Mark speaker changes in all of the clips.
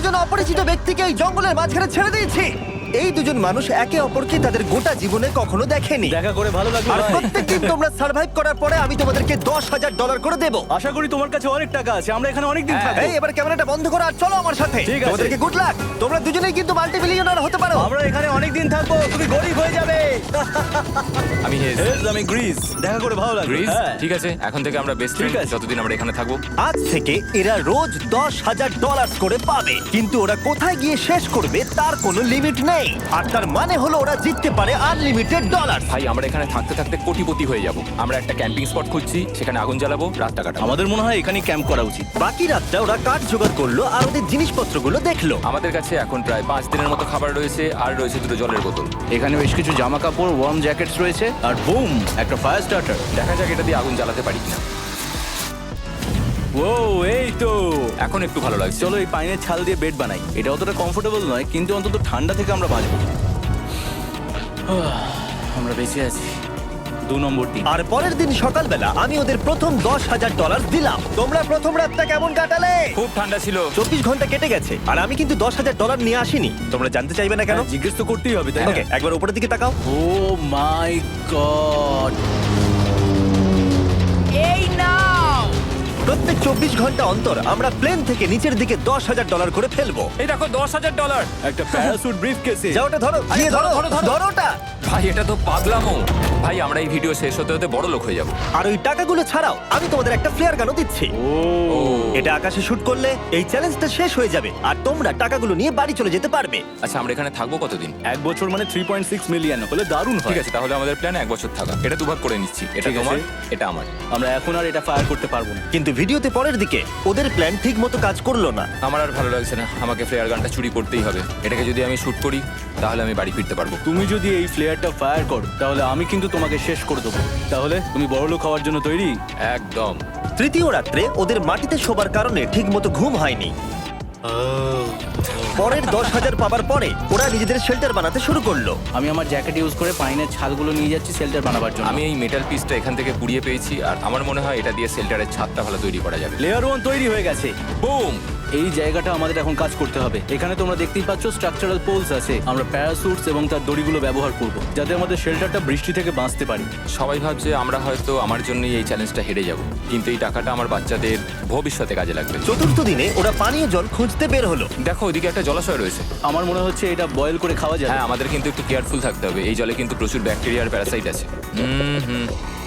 Speaker 1: দুজন অপরিচিত ব্যক্তিকে এই জঙ্গলের মাঝখানে ছেড়ে দিয়েছি। এই দুজন মানুষ একে অপরকে তাদের গোটা জীবনে কখনো দেখেনি।
Speaker 2: দেখা করে ভালো লাগলো
Speaker 1: আর
Speaker 2: ভাই।
Speaker 1: প্রত্যেকদিন তোমরা সার্ভাইভ করার পরে আমি তোমাদেরকে $10,000 করে দেবো।
Speaker 2: আশা করি তোমার কাছে অনেক টাকা আছে, আমরা এখানে অনেক দিন থাকবো।
Speaker 1: এই এবার ক্যামেরাটা বন্ধ করো আর চলো আমার সাথে।
Speaker 2: ঠিক আছে।
Speaker 1: তোমাদেরকে গুড লাক। তোমরা দুজনেই কিন্তু মাল্টিমিলিয়নার হতে পারো।
Speaker 2: আমরা এখানে অনেক দিন থাকবো, তুমি গরিব হয়ে যাবে।
Speaker 3: আমি হেজ।
Speaker 2: আমি গ্রিস, দেখা করে ভালো লাগলো।
Speaker 3: গ্রিস
Speaker 2: হ্যাঁ।
Speaker 3: ঠিক আছে, এখন থেকে আমরা বেস্ট
Speaker 2: ঠিক
Speaker 3: ফ্রেন্ড
Speaker 2: আছে।
Speaker 3: যতদিন আমরা এখানে থাকবো।
Speaker 1: আজ থেকে এরা রোজ $10,000 করে পাবে, কিন্তু ওরা কোথায় গিয়ে শেষ করবে তার কোনো লিমিট নেই। আর তার মানে হলো ওরা জিততে পারে আনলিমিটেড ডলার।
Speaker 3: ভাই আমরা এখানে থাকতে থাকতে কোটিপতি হয়ে যাব। আমরা একটা ক্যাম্পিং স্পট খুঁজছি, সেখানে আগুন জ্বালাবো, রাতটা কাটাবো।
Speaker 2: আমাদের মনে হয় এখানে ক্যাম্প করা উচিত।
Speaker 1: বাকি রাতটা ওরা কাঠ জোগাড় করলো আর ওদের জিনিসপত্রগুলো দেখলো।
Speaker 3: আমাদের কাছে এখন প্রায় 5 দিনের মতো খাবার রয়েছে, আর রয়েছে 2 জলের বোতল।
Speaker 2: এখানে বেশ কিছু জামা কাপড়, ওয়ার্ম জ্যাকেটস রয়েছে, আর বুম, একটা ফায়ার স্টার্টার।
Speaker 3: দেখা যাক এটা দিয়ে আগুন জ্বালাতে পারি কিনা।
Speaker 2: ও এই তো,
Speaker 3: এখন একটু ভালো লাগছে।
Speaker 2: চলো এই পাইনের ছাল দিয়ে বেড বানাই। এটা অতটা কমফোর্টেবল নয়, কিন্তু অন্তত ঠান্ডা থেকে আমরা বাঁচবো। আমরা বেঁচে আছি। 2 নম্বর দিন।
Speaker 1: আর পরের দিন সকালবেলা আমি ওদের প্রথম $10,000 দিলাম। তোমরা প্রথম রাতটা কেমন কাটালে?
Speaker 3: খুব ঠান্ডা ছিল।
Speaker 1: 24 ঘন্টা কেটে গেছে আর আমি কিন্তু $10,000 নিয়ে আসিনি। তোমরা জানতে চাইবে না কেন?
Speaker 2: হ্যাঁ, জিজ্ঞেস তো করতেই হবে, তাই না?
Speaker 1: ওকে, একবার উপরের দিকে তাকাও।
Speaker 2: Oh my god!
Speaker 1: প্রত্যেক 24 ঘন্টা অন্তর আমরা প্লেন থেকে নিচের দিকে $10,000 করে ফেলবো।
Speaker 3: এই দেখো $10,000।
Speaker 2: একটা প্যারাসুট ব্রিফকেসে।
Speaker 1: যাও ওটা ধরো, গিয়ে ধরো, ধরো ওটা।
Speaker 3: ভাই এটা তো পাগলামো। ভাই আমরা এই ভিডিও শেষ হতে হতে বড় লোক হয়ে যাব।
Speaker 1: আর ওই টাকাগুলো ছাড়াও আমি তোমাদের একটা ফ্লেয়ার গানও দিচ্ছি।
Speaker 2: ও
Speaker 1: এটা আকাশে শুট করলে এই চ্যালেঞ্জটা শেষ হয়ে যাবে আর তোমরা টাকাগুলো নিয়ে বাড়ি চলে যেতে পারবে।
Speaker 3: আচ্ছা আমরা এখানে থাকবো কতদিন?
Speaker 2: 1 বছর মানে 3.6 মিলিয়ন হলে দারুণ হয়।
Speaker 3: ঠিক আছে, তাহলে আমাদের প্ল্যান 1 বছর থাকা। এটা দুভাগ করে নিচ্ছি, এটা
Speaker 2: ঠিক আছে।
Speaker 3: তোমার, এটা আমার।
Speaker 2: আমরা এখন আর এটা ফায়ার করতে পারবো না।
Speaker 1: কিন্তু ভিডিওতে পরের দিকে ওদের প্ল্যান ঠিক মতো কাজ করলো না।
Speaker 3: আমার আর ভালো লাগছে না, আমাকে ফ্লেয়ার গানটা চুরি করতেই হবে। এটাকে যদি আমি শুট করি তাহলে আমি বাড়ি ফিরতে পারবো।
Speaker 2: তুমি যদি এই ফ্লেয়ারটা ফায়ার করো তাহলে আমি কিন্তু তোমাকে শেষ করে দেবো। তাহলে তুমি বড়লোক হওয়ার জন্য তৈরি?
Speaker 3: একদম।
Speaker 1: তৃতীয় রাত্রে ওদের মাটিতে শোবার কারণে ঠিক মতো ঘুম হয়নি। পরের 10,000 পাবার পরে ওরা নিজেদের শেল্টার বানাতে শুরু করলো।
Speaker 2: আমি আমার জ্যাকেট ইউজ করে পাইনের ছালগুলো নিয়ে যাচ্ছি শেল্টার বানাবার জন্য।
Speaker 3: আমি এই মেটাল পিসটা এখান থেকে কুড়িয়ে পেয়েছি, আর আমার মনে হয় এটা দিয়ে শেল্টারের ছাদটা ভালো তৈরি করা যাবে।
Speaker 2: লেয়ার 1 তৈরি হয়ে গেছে।
Speaker 3: বুম!
Speaker 2: এই জায়গাটা আমাদের এখন কাজ করতে হবে। এখানে তোমরা দেখতেই পাচ্ছ স্ট্রাকচারাল পোলস আছে। আমরা প্যারাসুটস এবং তার দড়িগুলো ব্যবহার করব যাতে আমাদের শেল্টারটা বৃষ্টি থেকে বাঁচতে পারি।
Speaker 3: সবাই ভাবছে আমরা হয়তো আমার জন্যই এই চ্যালেঞ্জটা হেরে যাব, কিন্তু এই টাকাটা আমার বাচ্চাদের ভবিষ্যতে কাজে লাগবে।
Speaker 1: চতুর্থ দিনে ওরা পানীয় জল খুঁজতে বের হলো।
Speaker 3: দেখো ওইদিকে একটা জলাশয় রয়েছে।
Speaker 2: আমার মনে হচ্ছে এটা বয়েল করে খাওয়া যাবে।
Speaker 3: হ্যাঁ, আমাদের কিন্তু একটু কেয়ারফুল থাকতে হবে। এই জলে কিন্তু প্রচুর ব্যাকটেরিয়া আর প্যারাসাইট আছে। হুম।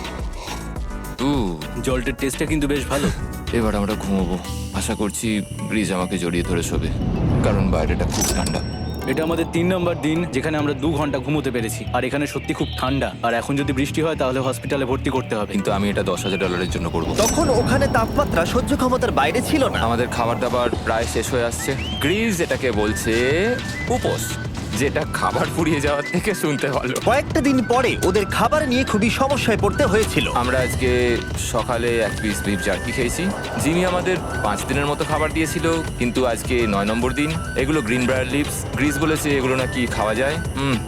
Speaker 2: জলটার টেস্টটা কিন্তু বেশ ভালো।
Speaker 3: এবার আমরা ঘুমোবো। আশা করছি ব্রিজ আমাকে জড়িয়ে ধরে শোবে, কারণ বাইরেটা খুব ঠান্ডা।
Speaker 2: এটা আমাদের 3 নম্বর দিন যেখানে আমরা 2 ঘন্টা ঘুমোতে পেরেছি। আর এখানে সত্যি খুব ঠান্ডা। আর এখন যদি বৃষ্টি হয় তাহলে হসপিটালে ভর্তি করতে হবে।
Speaker 3: কিন্তু আমি এটা $10,000 জন্য করব।
Speaker 1: তখন ওখানে তাপমাত্রা সহ্য ক্ষমতার বাইরে ছিল না।
Speaker 3: আমাদের খাবার দাবার প্রায় শেষ হয়ে আসছে। গ্রিজ এটাকে বলছে উপোস, যেটা খাবার পুড়িয়ে যাওয়ার থেকে শুনতে ভালো।
Speaker 1: কয়েকটা দিন পরে ওদের খাবার নিয়ে খুবই সমস্যায় পড়তে হয়েছিল।
Speaker 3: আমরা আজকে সকালে 1 পিস বিফ জার্কি খেয়েছি। জিমি আমাদের 5 দিনের মতো খাবার দিয়েছিল, কিন্তু আজকে 9 নম্বর দিন। এগুলো গ্রিন ব্রায়ার লিভস। গ্রিজ বলেছে এগুলো নাকি খাওয়া যায়।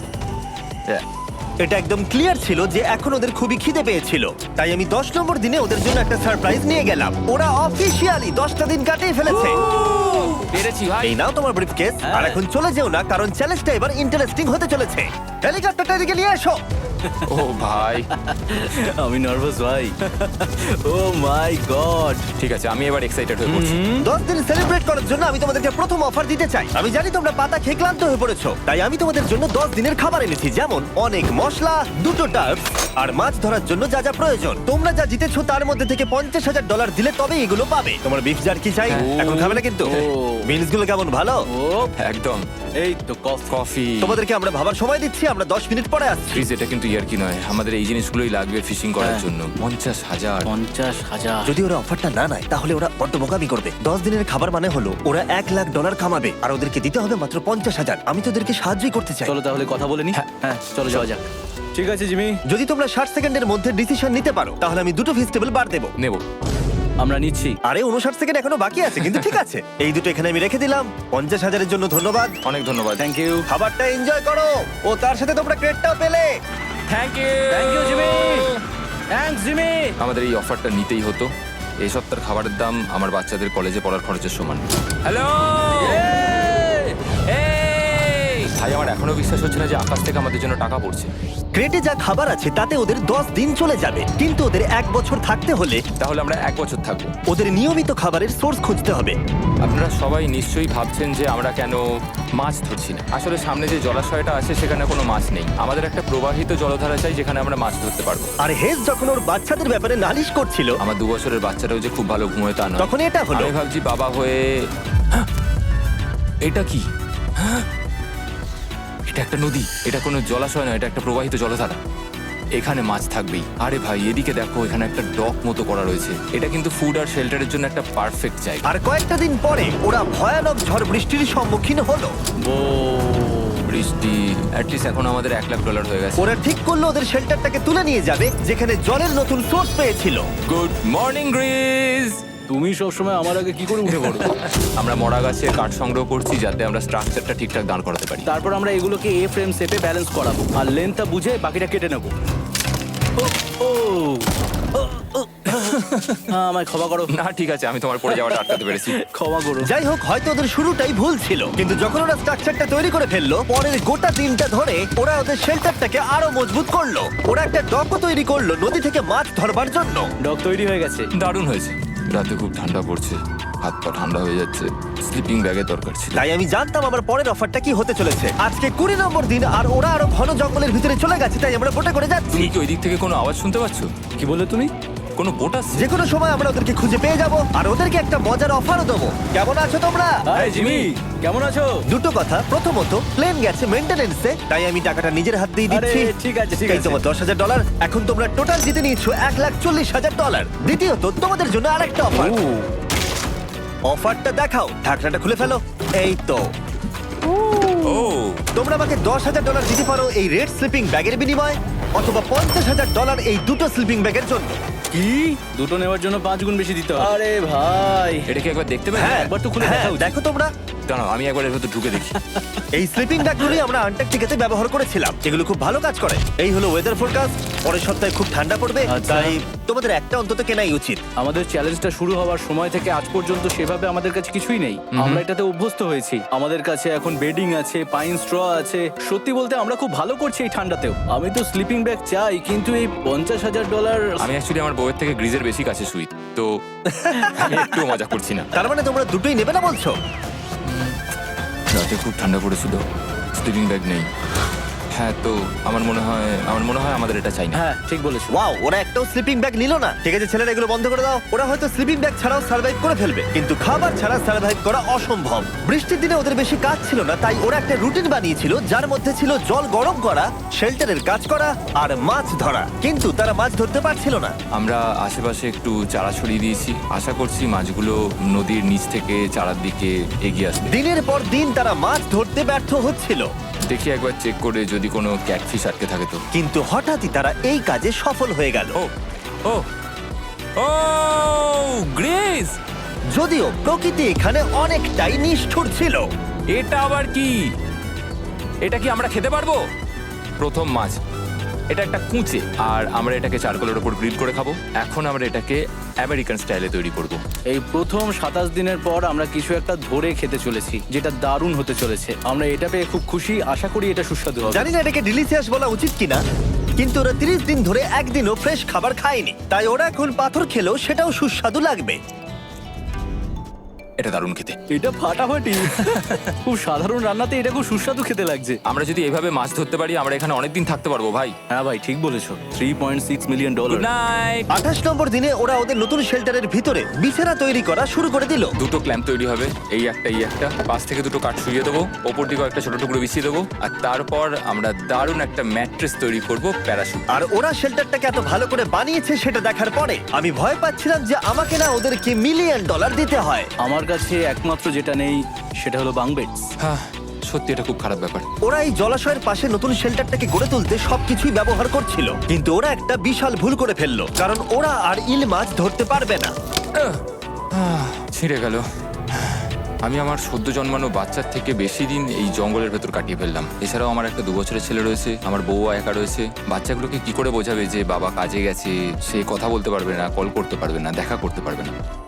Speaker 1: এটা একদম ক্লিয়ার ছিল যে এখন ওদের খুবই খিদে পেয়েছিল। তাই আমি 10 নম্বর দিনে ওদের জন্য একটা সারপ্রাইজ নিয়ে গেলাম। ওরা অফিসিয়ালি 10টা দিন কাটিয়ে ফেলেছে।
Speaker 3: পেরেছি ভাই।
Speaker 1: এই নাও তোমার ব্রিফকেস। আর এখন চলে যেও না, কারণ চ্যালেঞ্জটা এবার ইন্টারেস্টিং হতে চলেছে। হেলিকপ্টারটা এদিকে নিয়ে এসো।
Speaker 3: ও ভাই,
Speaker 2: আমি নার্ভাস ভাই। Oh my god!
Speaker 3: ঠিক আছে, আমি এবার এক্সাইটেড হয়ে পড়ছি।
Speaker 1: 10 দিন সেলিব্রেট করার জন্য আমি তোমাদেরকে প্রথম অফার দিতে চাই। আমি জানি তোমরা পাতা খেয়ে ক্লান্ত হয়ে পড়েছো, তাই আমি তোমাদের জন্য 10 দিনের খাবার এনেছি, যেমন অনেক মশলা, 2টো টার্ফ আর মাছ ধরার জন্য যা যা প্রয়োজন। তোমরা যা জিতেছো তার মধ্যে থেকে $50,000 দিলে তবে এগুলো পাবে। তোমার বিফ জার্কি চাই? এখন খাবে না কিন্তু।
Speaker 2: ও।
Speaker 1: মিলস গুলো কেমন ভালো?
Speaker 2: ও
Speaker 3: একদম।
Speaker 2: এই তো
Speaker 3: কফি।
Speaker 1: তোমাদেরকে আমরা ভাবার সময় দিচ্ছি, আমরা 10 মিনিট পরে আসছি।
Speaker 3: ফ্রিজ, এটা কিন্তু ইয়ার কি নয়, আমাদের এই জিনিসগুলোই লাগবে ফিশিং করার
Speaker 2: হ্যাঁ।
Speaker 3: জন্য। 50,000।
Speaker 2: 50,000।
Speaker 1: যদি ওরা অফারটা না নেয় তাহলে ওরা বড্ড বোকামি করবে। 10 দিনের খাবার মানে হলো ওরা $1,00,000 কামাবে আর ওদেরকে দিতে হবে মাত্র 50,000। আমি তো ওদেরকে সাহায্যই করতে চাই।
Speaker 2: চলো তাহলে কথা বলে নি। হ্যাঁ চলো যাওয়া যাক। ঠিক আছে জিমি,
Speaker 1: যদি তোমরা 60 সেকেন্ডের মধ্যে ডিসিশন নিতে পারো তাহলে আমি 2টো ভেজিটেবল বার দেবো।
Speaker 3: নেব।
Speaker 2: আমরা নিচ্ছি।
Speaker 1: আরে 59 সেকেন্ড এখনো বাকি আছে, কিন্তু ঠিক আছে। এই দুটো এখানে আমি রেখে দিলাম। 50,000-এর জন্য ধন্যবাদ।
Speaker 3: অনেক ধন্যবাদ।
Speaker 2: Thank you.
Speaker 1: খাবারটা এনজয় করো। ও তার সাথে তোমরা ক্রেডটাও পেলে।
Speaker 3: Thank you.
Speaker 2: Thank you Jimmy. Thanks Jimmy.
Speaker 3: আমাদের এই অফারটা নিতেই হতো। এই সপ্তাহের খাবারের দাম আমার বাচ্চাদের কলেজে পড়ার খরচের সমান। হ্যালো। এখনো বিশ্বাস হচ্ছে না যে আকাশ থেকে আমাদের জন্য টাকা পড়ছে।
Speaker 1: ক্রেটে যা খাবার আছে তাতে ওদের 10 দিন চলে যাবে, কিন্তু ওদের 1 বছর থাকতে হলে
Speaker 3: তাহলে আমরা 1 বছর থাকবো।
Speaker 1: ওদের নিয়মিত খাবারের সোর্স খুঁজতে হবে।
Speaker 3: আপনারা সবাই নিশ্চয়ই ভাবছেন যে আমরা কেন মাছ ধরছি না। আসলে সামনে যে জলাশয়টা আছে সেখানে কোনো মাছ নেই। আমাদের একটা প্রবাহিত জলধারা চাই যেখানে আমরা মাছ ধরতে পারবো।
Speaker 1: আর হেজ যখন ওর বাচ্চাদের ব্যাপারে নালিশ করছিল,
Speaker 3: আমার 2 বছরের বাচ্চাটাও যে খুব ভালো ঘুমোয় তা নয়।
Speaker 1: তখন এটা হলো।
Speaker 3: আমি ভাবছি বাবা হয়ে এটা কি? এটা একটা নদী, এটা কোনো জলাশয় নয়, এটা একটা প্রবাহিত জলধারা। এখানে মাছ থাকবেই। আরে ভাই এদিকে দেখো, এখানে একটা ডক মতো করা রয়েছে। এটা কিন্তু ফুড আর শেল্টারের জন্য একটা পারফেক্ট জায়গা।
Speaker 1: আর কয়েকটা দিন পরে ওরা ভয়ানক ঝড় বৃষ্টির সম্মুখীন হলো।
Speaker 3: বৃষ্টি অ্যাটলিস্ট এখন আমাদের $1,00,000 হয়ে গেছে।
Speaker 1: ওরা ঠিক করলো ওদের শেল্টারটাকে তুলে নিয়ে যাবে, যেখানে জলের নতুন সোর্স পেয়েছিল।
Speaker 3: Good morning Greece.
Speaker 2: তুমি সবসময় আমার আগে কি করে উঠে পড়ো?
Speaker 3: আমরা মরা গাছে কাঠ সংগ্রহ করছি যাতে আমরা স্ট্রাকচারটা ঠিকঠাক দাঁড় করাতে পারি।
Speaker 2: তারপর আমরা এগুলোকে এ ফ্রেম শেপে ব্যালেন্স করাবো আর লেন্থটা বুঝে বাকিটা কেটে নেবো। আমায় ক্ষমা করো।
Speaker 3: না ঠিক আছে, আমি তোমার পড়ে যাওয়াটা আটকাতে পেরেছি।
Speaker 2: ক্ষমা করো।
Speaker 1: যাই হোক, হয়তো ওদের শুরুটাই ভুল ছিল, কিন্তু যখন ওরা স্ট্রাকচারটা তৈরি করে ফেললো, পরের গোটা দিনটা ধরে ওরা ওদের শেল্টারটাকে আরো মজবুত করলো। ওরা একটা ডকও তৈরি করলো নদী থেকে মাছ ধরবার জন্য।
Speaker 2: ডক তৈরি হয়ে গেছে।
Speaker 3: দারুণ হয়েছে। রাতে খুব ঠান্ডা পড়ছে, হাত পা ঠান্ডা হয়ে যাচ্ছে। স্লিপিং ব্যাগের দরকার ছিল।
Speaker 1: তাই আমি জানতাম আমার পরের অফারটা কি হতে চলেছে। আজকে 20 নম্বর দিন, আর ওরা আরো ঘন জঙ্গলের ভিতরে চলে গেছে, তাই আমরা বোটে করে যাচ্ছি।
Speaker 3: তুমি কি ওই দিক থেকে কোনো আওয়াজ শুনতে পাচ্ছ?
Speaker 2: কি বললে তুমি?
Speaker 3: কোনো বোট আসছে?
Speaker 1: যে কোনো সময় আমরা ওদেরকে খুঁজে পেয়ে যাব, আর ওদেরকে একটা মজার অফারও দেবো। কেমন আছো তোমরা?
Speaker 2: হাই জিমি, কেমন আছো?
Speaker 1: দুটো কথা, প্রথমত প্লেন গেছে মেইনটেনেন্সে, তাই আমি টাকাটা নিজের হাত দিয়ে দিচ্ছি।
Speaker 2: আরে, ঠিক আছে, ঠিক
Speaker 1: এই
Speaker 2: আছে।
Speaker 1: তোমার $10,000। এখন তোমরা টোটাল জিতে নিয়েছো $1,40,000। দ্বিতীয়ত তোমাদের জন্য আরেকটা অফার। অফারটা দেখাও, ঢাকনাটা খুলে ফেলো। এই তো,
Speaker 3: ও
Speaker 1: তোমরা আমাকে $10,000 দিতে পারো এই রেড স্লিপিং ব্যাগের বিনিময়ে, অথবা $50,000 এই দুটো স্লিপিং ব্যাগের জন্য।
Speaker 2: কি? দুটো নেওয়ার জন্য 5 গুণ বেশি দিতে হবে? আরে ভাই,
Speaker 3: এটা কি একবার দেখতে পাই?
Speaker 1: হ্যাঁ,
Speaker 2: একবার তো খুলে
Speaker 1: হ্যাঁ,
Speaker 2: দেখা উচিত।
Speaker 1: দেখো তোমরা।
Speaker 3: দাঁড়াও আমি একবার এর ভেতর ঢুকে দেখি।
Speaker 1: এই স্লিপিং ব্যাগগুলি আমরা আন্টার্কটিকাতে ব্যবহার করেছিলাম, এগুলো খুব ভালো কাজ করে। এই হলো ওয়েদার ফোরকাস্ট, পরের সপ্তাহে খুব ঠান্ডা পড়বে,
Speaker 2: আচ্ছা।
Speaker 1: তাই তোমাদের একটা অন্তত কেনাই উচিত।
Speaker 2: আমাদের চ্যালেঞ্জটা শুরু হওয়ার সময় থেকে আজ পর্যন্ত সেভাবে আমাদের কাছে কিছুই নেই। আমরা এটাতে অভ্যস্ত হয়েছি। আমাদের কাছে এখন বেডিং আছে, পাইন স্ট্র আছে। সত্যি বলতে আমরা খুব ভালো করছি এই ঠান্ডাতেও। আমি তো স্লিপিং ব্যাগ চাই, কিন্তু এই $50,000।
Speaker 3: আমি অ্যাকচুয়ালি আমার বউয়ের থেকে গ্রিজের বেশি কাছে শুই, তো আমি একটু মজা করছি না।
Speaker 1: তার মানে তোমরা দুটোই নেবে না বলছো?
Speaker 3: রাতে খুব ঠান্ডা পড়েছিল, স্লিপিং ব্যাগ নেই। হ্যাঁ, তো আমার মনে হয় আমাদের এটা চাই না।
Speaker 2: হ্যাঁ, ঠিক বলেছো।
Speaker 1: ওয়াও, ওরা একটাও স্লিপিং ব্যাগ নিল না। ঠিক আছে ছেলেরা, এগুলো বন্ধ করে দাও। ওরা হয়তো স্লিপিং ব্যাগ ছাড়াও সার্ভাইভ করে ফেলবে, কিন্তু খাবার ছাড়া সার্ভাইভ করা অসম্ভব। বৃষ্টির দিনে ওদের বেশি কাজ ছিল না, তাই ওরা একটা রুটিন বানিয়েছিল যার মধ্যে ছিল জল গরম করা, শেল্টারের কাজ করা আর মাছ ধরা। কিন্তু তারা মাছ ধরতে পারছিল না।
Speaker 3: আমরা আশেপাশে একটু চারা ছড়িয়ে দিয়েছি, আশা করছি মাছগুলো নদীর নিচ থেকে চারার দিকে এগিয়ে আসবে।
Speaker 1: দিনের পর দিন তারা মাছ ধরতে ব্যর্থ হচ্ছিল,
Speaker 3: দেখি একবার চেক করে যদি কোনো ক্যাটফিশ আটকে থাকে তো।
Speaker 1: কিন্তু হঠাৎই তারা এই কাজে সফল হয়ে গেল।
Speaker 3: ও ও ও গ্রেস,
Speaker 1: যদিও প্রকৃতি এখানে অনেকটাই নিষ্ঠুর ছিল।
Speaker 3: এটা আবার কি? এটা কি আমরা খেতে পারবো? প্রথম মাছ। এটা একটা কুঁচে, আর আমরা এটাকে চারকোলের উপর গ্রিল করে খাবো। এখন আমরা এটাকে আমেরিকান স্টাইলে তৈরি করব।
Speaker 2: এই প্রথম 27 দিনের পর আমরা কিছু একটা ধরে খেতে চলেছি, যেটা দারুণ হতে চলেছে। আমরা এটা পেয়ে খুব খুশি, আশা করি এটা সুস্বাদু হবে।
Speaker 1: জানি না এটাকে ডিলিশিয়াস বলা উচিত কিনা, কিন্তু ওরা 30 দিন ধরে একদিনও ফ্রেশ খাবার খায়নি, তাই ওরা এখন পাথর খেলেও সেটাও সুস্বাদু লাগবে।
Speaker 3: এটা দারুণ খেতে।
Speaker 2: এটা ফাটাফাটি। খুব সাধারণ রান্নাতে এটা খুব সুস্বাদু খেতে লাগছে।
Speaker 3: আমরা যদি এভাবে মাছ ধরতে পারি আমরা এখানে অনেকদিন থাকতে পারবো ভাই।
Speaker 2: হ্যাঁ ভাই, ঠিক বলেছো। $3.6 মিলিয়ন।
Speaker 3: Good night.
Speaker 1: 28 নম্বর দিনে ওরা ওদের নতুন শেল্টারের ভিতরে বিছানা তৈরি করা শুরু করে দিল।
Speaker 3: দুটো ক্ল্যাম্প তৈরি হবে, এই একটা, পাশ থেকে দুটো কাঠ শুইয়ে দেবো, ওপর দিকে একটা ছোট টুকরো বিছিয়ে দেবো, আর তারপর আমরা দারুণ একটা ম্যাট্রেস তৈরি করব প্যারাশুট।
Speaker 1: আর ওরা শেল্টারটাকে এত ভালো করে বানিয়েছে সেটা দেখার পরে আমি ভয় পাচ্ছিলাম যে আমাকে না ওদেরকে $1 মিলিয়ন দিতে হয়।
Speaker 2: আমার কাছে একমাত্র যেটা নেই সেটা হলো বাঙ্ক বেডস।
Speaker 3: হ্যাঁ, সত্যি এটা খুব খারাপ ব্যাপার।
Speaker 1: ওরা এই জলাশয়ের পাশে নতুন শেল্টারটাকে গড়ে তুলতে সবকিছুই ব্যবহার করছিল, কিন্তু ওরা একটা বিশাল ভুল করে ফেললো, কারণ ওরা আর ইল মাছ ধরতে পারবে না।
Speaker 3: ছিঁড়ে গেল। আমি আমার সদ্য জন্মানো বাচ্চার থেকে বেশি দিন এই জঙ্গলের ভেতর কাটিয়ে ফেললাম। এছাড়াও আমার একটা 2 বছরের ছেলে রয়েছে, আমার বউ একা রয়েছে। বাচ্চাগুলোকে কি করে বোঝাবে যে বাবা কাজে গেছে? সে কথা বলতে পারবে না, কল করতে পারবে না, দেখা করতে পারবে না।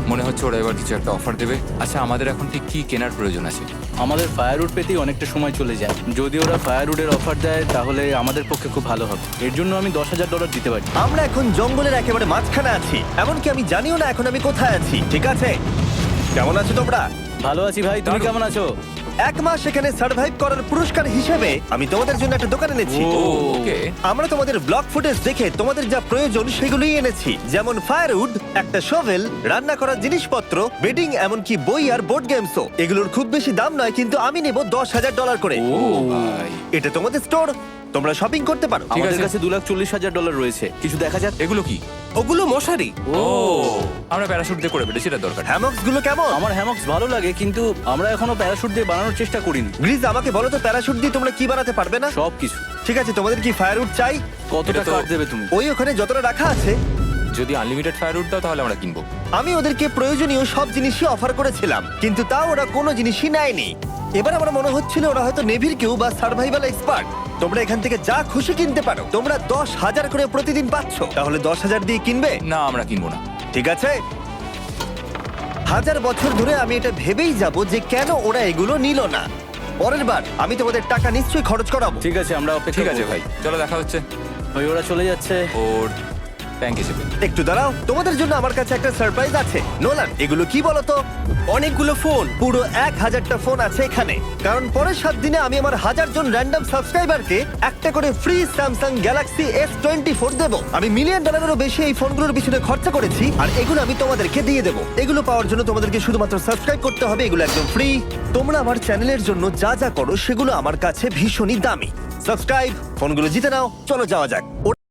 Speaker 3: মনে হচ্ছে ওরা এবার কিছু একটা অফার দেবে। আচ্ছা, আমাদের এখন ঠিক কি কেনার প্রয়োজন আছে?
Speaker 2: আমাদের ফায়ারউড পেতেই অনেকটা সময় চলে যায়। যদি ওরা ফায়ারউডের অফার দেয় তাহলে আমাদের পক্ষে খুব ভালো হবে। এর জন্য আমি $10,000 দিতে পারি।
Speaker 1: আমরা এখন জঙ্গলের একেবারে মাঝখানে আছি, এমনকি আমি জানিও না এখন আমি কোথায় আছি। ঠিক আছে, কেমন আছো তোমরা?
Speaker 2: ভালো আছি ভাই, তুমি
Speaker 3: দারুণ।
Speaker 2: কেমন আছো?
Speaker 1: 1 মাস এখানে সার্ভাইভ করার পুরস্কার হিসেবে আমি তোমাদের জন্য একটা দোকান এনেছি।
Speaker 2: ও।
Speaker 3: ওকে।
Speaker 1: আমরা তোমাদের ব্লগ ফুটেজ দেখে তোমাদের যা প্রয়োজন সেগুলোই এনেছি, যেমন ফায়ারউড, একটা শোভেল, রান্না করার জিনিসপত্র, বেডিং, এমনকি বই আর বোর্ড গেমসও। এগুলোর খুব বেশি দাম নয়, কিন্তু আমি নেব $10,000 করে।
Speaker 3: ও ভাই,
Speaker 1: এটা তোমাদের স্টোর, তোমরা শপিং করতে পারো।
Speaker 3: ঠিক
Speaker 2: আমাদের
Speaker 3: আছে।
Speaker 2: কাছে $2,40,000 রয়েছে। কিছু দেখা যাক।
Speaker 3: এগুলো কি?
Speaker 4: ওগুলো মশারি।
Speaker 3: ও, আমরা প্যারাশুট দিয়ে করে ফেলেছি, এটা দরকার।
Speaker 1: হ্যামক্স গুলো কেমন?
Speaker 2: আমার হ্যামক্স ভালো লাগে, কিন্তু আমরা এখনো প্যারাশুট দিয়ে বানানোর চেষ্টা করিনি।
Speaker 1: গ্রিজ, আমাকে বলো তো, প্যারাশুট দিয়ে তোমরা কি বানাতে পারবে না?
Speaker 2: সব কিছু।
Speaker 1: ঠিক আছে, তোমাদের কি ফায়ারউড চাই?
Speaker 2: কতটা
Speaker 3: এটা তো-
Speaker 2: কাট দেবে তুমি?
Speaker 1: ওই ওখানে যতটা রাখা আছে।
Speaker 3: যদি আনলিমিটেড ফায়ারউড দাও তাহলে আমরা কিনবো।
Speaker 1: আমি ওদেরকে প্রয়োজনীয় সব জিনিসই অফার করেছিলাম, কিন্তু তাও ওরা কোনো জিনিসই নেয়নি। এবার আমার মনে হচ্ছিল ওরা হয়তো নেভির কেউ বা সার্ভাইভাল এক্সপার্ট। তোমরা এখান থেকে যা খুশি কিনতে পারো। তোমরা 10,000 করে প্রতিদিন পাচ্ছ, তাহলে 10,000 দিয়ে কিনবে?
Speaker 3: না, আমরা কিনবো না।
Speaker 1: ঠিক আছে। 1000 বছর ধরে আমি এটা ভেবেই যাব যে কেন ওরা এগুলো নিল না। পরের বার আমি তোমাদের টাকা নিশ্চয়ই খরচ করাবো।
Speaker 2: ঠিক আছে, আমরা অপেক্ষা
Speaker 3: ঠিক আছে
Speaker 2: করবো।
Speaker 3: ভাই, চলো দেখা হচ্ছে।
Speaker 2: ওই ওরা চলে যাচ্ছে।
Speaker 3: ওর থ্যাংক হিসেবে।
Speaker 1: একটু দাঁড়াও, তোমাদের জন্য আমার কাছে একটা সারপ্রাইজ আছে। নোলান, এগুলো কি বলো তো?
Speaker 4: অনেকগুলো ফোন।
Speaker 1: পুরো 1000টা ফোন আছে এখানে, কারণ পরের 7 দিনে আমি আমার 1000 জন র্যান্ডম সাবস্ক্রাইবারকে একটা করে ফ্রি স্যামসাং গ্যালাক্সি S24 দেবো। আমি $1 মিলিয়নেরও বেশি এই ফোনগুলোর পিছনে খরচা করেছি, আর এগুলো আমি তোমাদেরকে দিয়ে দেবো। এগুলো পাওয়ার জন্য তোমাদেরকে শুধুমাত্র সাবস্ক্রাইব করতে হবে, এগুলো একদম ফ্রি। তোমরা আমার চ্যানেলের জন্য যা যা করো সেগুলো আমার কাছে ভীষণই দামি। সাবস্ক্রাইব, ফোনগুলো জিতে নাও। চলো যাওয়া যাক।